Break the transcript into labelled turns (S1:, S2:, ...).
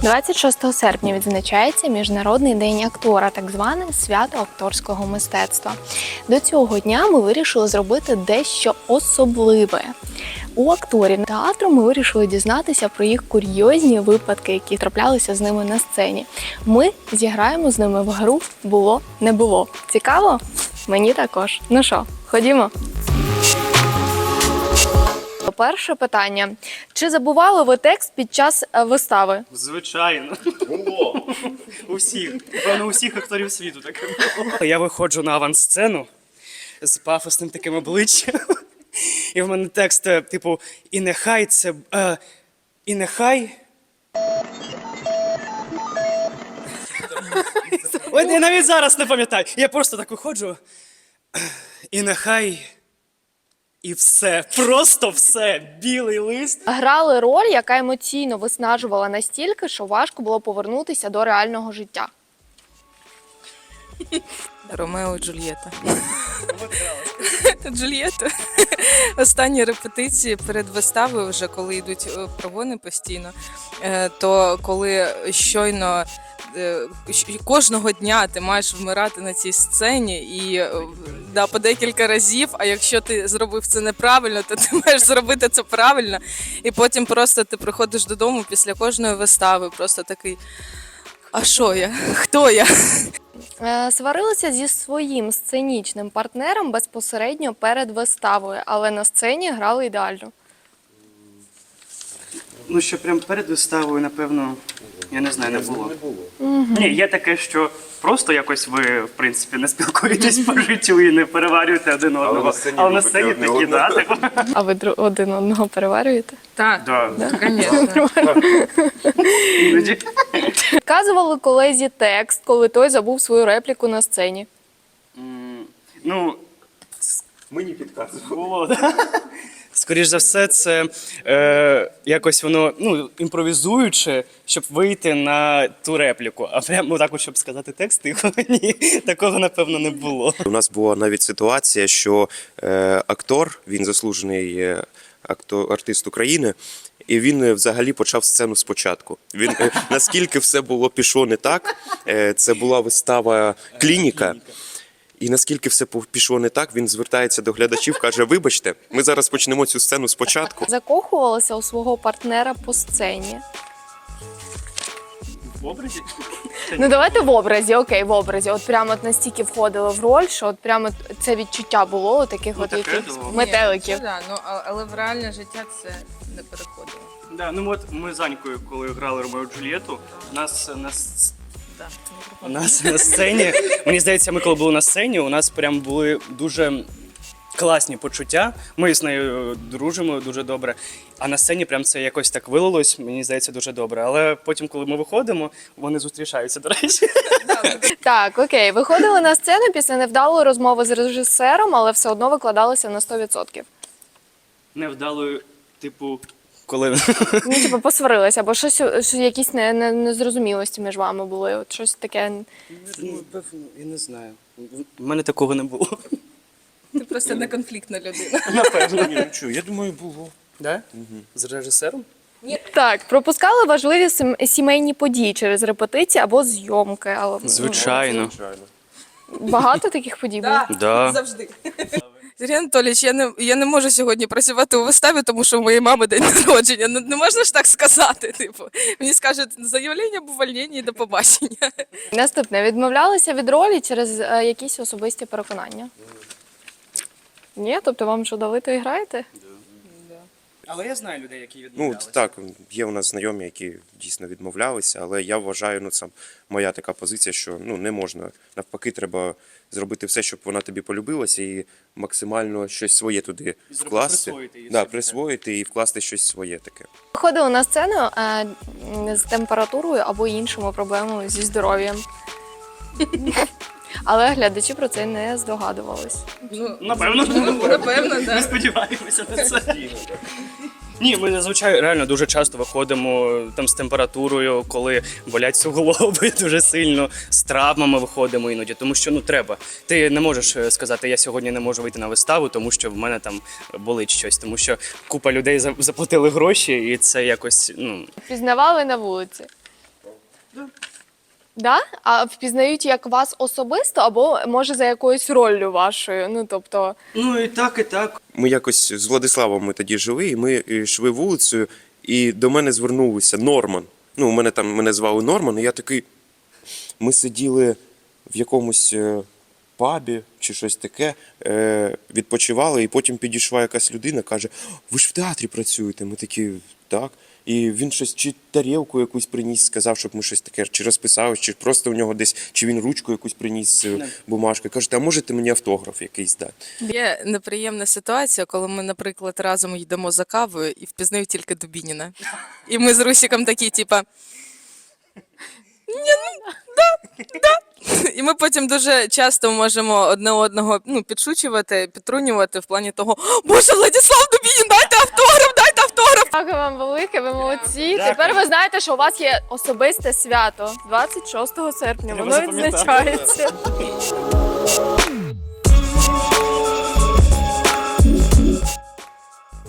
S1: 26 серпня відзначається Міжнародний день актора, так зване свято акторського мистецтва. До цього дня ми вирішили зробити дещо особливе. У акторів театру ми вирішили дізнатися про їх курйозні випадки, які траплялися з ними на сцені. Ми зіграємо з ними в гру «Було-не було». Цікаво? Мені також. Ну що, ходімо? Перше питання. Чи забували ви текст під час вистави?
S2: Звичайно. Було. У всіх. Напевно, у всіх акторів світу таке було. Я виходжу на авансцену з пафосним таким обличчям. І в мене текст, типу, і нехай це... і нехай... От я навіть зараз не пам'ятаю. Я просто так виходжу. І нехай... І все. Просто все. Білий лист.
S1: Грали роль, яка емоційно виснажувала настільки, що важко було повернутися до реального життя.
S3: Ромео і Джульєта. Джульєта. Останні репетиції перед виставою, вже коли йдуть прогони постійно, то коли щойно кожного дня ти маєш вмирати на цій сцені і по декілька разів, а якщо ти зробив це неправильно, то ти маєш зробити це правильно. І потім просто ти приходиш додому після кожної вистави, просто такий, а що я? Хто я?
S1: Сварилися зі своїм сценічним партнером безпосередньо перед виставою, але на сцені грали ідеально.
S2: Ну, що прям перед виставою, напевно, я не знаю, не було. Ні, є таке, що просто якось ви, в принципі, не спілкуєтесь по життю і не переварюєте один одного. Але на сцені такі, так.
S1: А ви один одного переварюєте?
S3: Так,
S2: Да.
S3: звісно.
S2: Іноді.
S1: Підказували колезі текст, коли той забув свою репліку на сцені.
S2: Ну,
S4: Мені підказували.
S2: було, так. Скоріш за все, це якось воно, імпровізуючи, щоб вийти на ту репліку. А прямо так, щоб сказати текст, тихо, ні, такого, напевно, не було.
S4: У нас була навіть ситуація, що актор, він заслужений артист України, і він взагалі почав сцену спочатку. Він наскільки все пішло не так, це була вистава «Клініка». І наскільки все пішло не так, він звертається до глядачів, каже, вибачте, ми зараз почнемо цю сцену спочатку.
S1: Закохувалися у свого партнера по сцені.
S2: В образі?
S1: Ну давайте в образі, окей, в образі. От прямо настільки входили в роль, що от прямо це відчуття було таких
S2: Ну,
S1: от
S2: таке,
S1: якихось
S2: да.
S1: метеликів.
S3: Але в реальне життя це не переходило.
S2: Да, ну от ми з Анькою, коли грали Ромео і Джульєту, у нас на сцені, мені здається, ми коли були на сцені, у нас прям були дуже класні почуття. Ми з нею дружимо дуже добре. А на сцені прям це якось так вилилось, мені здається, дуже добре. Але потім, коли ми виходимо, вони зустрічаються, до речі.
S1: Так, окей, виходили на сцену після невдалої розмови з режисером, але все одно викладалися на 100%.
S2: Невдалою, типу, коли...
S1: Ну, типу, посварилися, або щось якісь незрозумілості між вами були, от щось таке.
S2: Я не знаю. У мене такого не було.
S3: Ти просто не конфліктна людина.
S2: Напевно.
S4: Я думаю, було.
S2: Да? З режисером?
S1: Так, пропускали важливі сімейні події через репетиції або зйомки. Але,
S2: Звичайно.
S1: багато таких подій було?
S2: Да.
S3: Завжди. Сергій Анатолійович, я не можу сьогодні працювати у виставі, тому що у моєї мами день народження. Ну, не можна ж так сказати. Типу. Мені скажуть, заявлення об увольненні і до побачення.
S1: Наступне. Відмовлялися від ролі через якісь особисті переконання? Ні? Тобто вам що дали, то і граєте?
S2: Але я знаю людей, які
S4: Ну,
S2: відмовлялися.
S4: так, є у нас знайомі, які дійсно відмовлялися, але я вважаю, це моя така позиція, що не можна. Навпаки, треба зробити все, щоб вона тобі полюбилася і максимально щось своє туди вкласти.
S2: присвоїти її
S4: Да,
S2: собі,
S4: присвоїти і вкласти щось своє таке.
S1: Виходили на сцену з температурою або іншими проблемами зі здоров'ям. Але глядачі про це не здогадувались.
S2: Напевно.
S3: Напевно,
S2: Ми
S3: так.
S2: сподіваємося на це. Ні, ми зазвичай реально дуже часто виходимо там з температурою, коли болять суглоби дуже сильно, з травмами виходимо іноді, тому що треба. Ти не можеш сказати, я сьогодні не можу вийти на виставу, тому що в мене там болить щось, тому що купа людей заплатили гроші, і це якось,
S1: Пізнавали на вулиці. Да? А впізнають як вас особисто, або може за якоюсь роллю вашою? Ну, тобто,
S2: Ну і так, і так.
S4: Ми якось з Владиславом ми тоді жили, і ми йшли вулицею, і до мене звернулися Норман. Ну, мене звали Норман, і я такий. Ми сиділи в якомусь пабі чи щось таке, відпочивали, і потім підійшла якась людина, каже: ви ж в театрі працюєте? Ми такі, так. І він щось, чи тарілку якусь приніс, сказав, щоб ми щось таке, чи розписали, чи просто в нього десь, чи він ручку якусь приніс, бумажку. Кажете, а можете мені автограф якийсь дати?
S3: Є неприємна ситуація, коли ми, наприклад, разом йдемо за кавою і впізнають тільки Дубініна. І ми з Русіком такі, типа. Ні, ну, да. І ми потім дуже часто можемо одне одного підшучувати, підтрунювати в плані того: Боже, Владислав Дубінін, дайте автограф, дайте автограф!
S1: дякую вам велике, ви молодці. Тепер ви знаєте, що у вас є особисте свято 26 серпня. Воно відзначається.